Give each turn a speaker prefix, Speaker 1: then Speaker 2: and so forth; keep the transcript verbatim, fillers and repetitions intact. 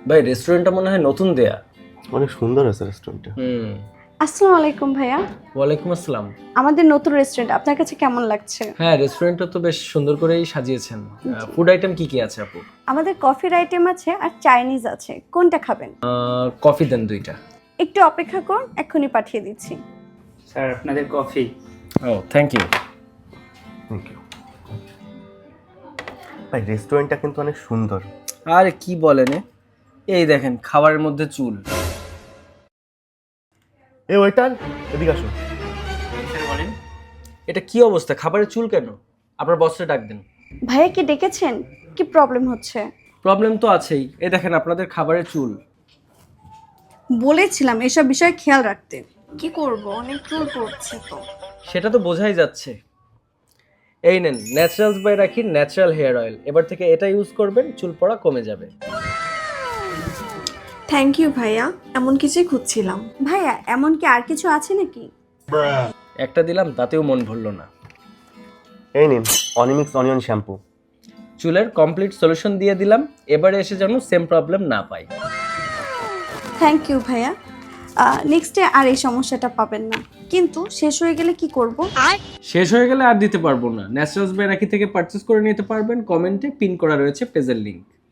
Speaker 1: ভাই রেস্টুরেন্টটা মনে হয় নতুন দেয়া।
Speaker 2: অনেক সুন্দর আছে রেস্টুরেন্টটা।
Speaker 1: হুম।
Speaker 3: আসসালামু আলাইকুম ভাইয়া।
Speaker 1: ওয়ালাইকুম আসসালাম।
Speaker 3: আমাদের নতুন রেস্টুরেন্ট আপনার কাছে কেমন লাগছে?
Speaker 1: হ্যাঁ, রেস্টুরেন্টটা তো বেশ সুন্দর করেই সাজিয়েছেন। ফুড আইটেম কি কি আছে আপু?
Speaker 3: আমাদের কফির আইটেম আছে আর চাইনিজ আছে, কোনটা খাবেন?
Speaker 1: কফি দেন দুইটা।
Speaker 3: একটু অপেক্ষা করুন, এক্ষুনি পাঠিয়ে দিচ্ছি।
Speaker 4: স্যার আপনাদের কফি।
Speaker 1: ও থ্যাংক ইউ।
Speaker 2: Thank you. ভাই রেস্টুরেন্টটা কিন্তু অনেক সুন্দর।
Speaker 1: আরে কি বলেন এ? এই দেখেন খাবারের মধ্যে চুল।
Speaker 2: এ ওয়েটার, এদিকে আসো।
Speaker 4: স্যার বলেন।
Speaker 1: এটা কি অবস্থা? খাবারের চুল কেন? আপনার বসকে ডাক দেন।
Speaker 3: ভাইয়া কি ডেকেছেন? কি প্রবলেম হচ্ছে?
Speaker 1: প্রবলেম তো আছেই। এই দেখেন আপনাদের খাবারের চুল।
Speaker 3: বলেছিলাম এসব বিষয়ে খেয়াল রাখতে। কি করব, অনেক চুল পড়ছে তো।
Speaker 1: সেটা তো বোঝাই যাচ্ছে। এই নেন Naturals by Rakhi natural hair oil. এবার থেকে এটা ইউজ করবেন, চুল পড়া কমে যাবে।
Speaker 5: থ্যাংক ইউ ভাইয়া, এমন কিছুই খুঁজছিলাম।
Speaker 3: ভাইয়া এমন কি আর কিছু আছে নাকি?
Speaker 1: একটা দিলাম তাতেও মন ভরল না।
Speaker 2: এই নিন অনিমিক্স অনিয়ন শ্যাম্পু।
Speaker 1: চুলের কমপ্লিট সলিউশন দিয়ে দিলাম। এবারে এসে যেন সেম প্রবলেম না পাই।
Speaker 3: থ্যাংক ইউ ভাইয়া। নেক্সটে আর এই সমস্যাটা পাবেন না। কিন্তু শেষ হয়ে গেলে কি করব?
Speaker 1: শেষ হয়ে গেলে আর দিতে পারবো না। ন্যাচারালস বাই রাখি থেকে পারচেজ করে নিতে পারবেন। কমেন্টে পিন করা রয়েছে পেজের লিংক।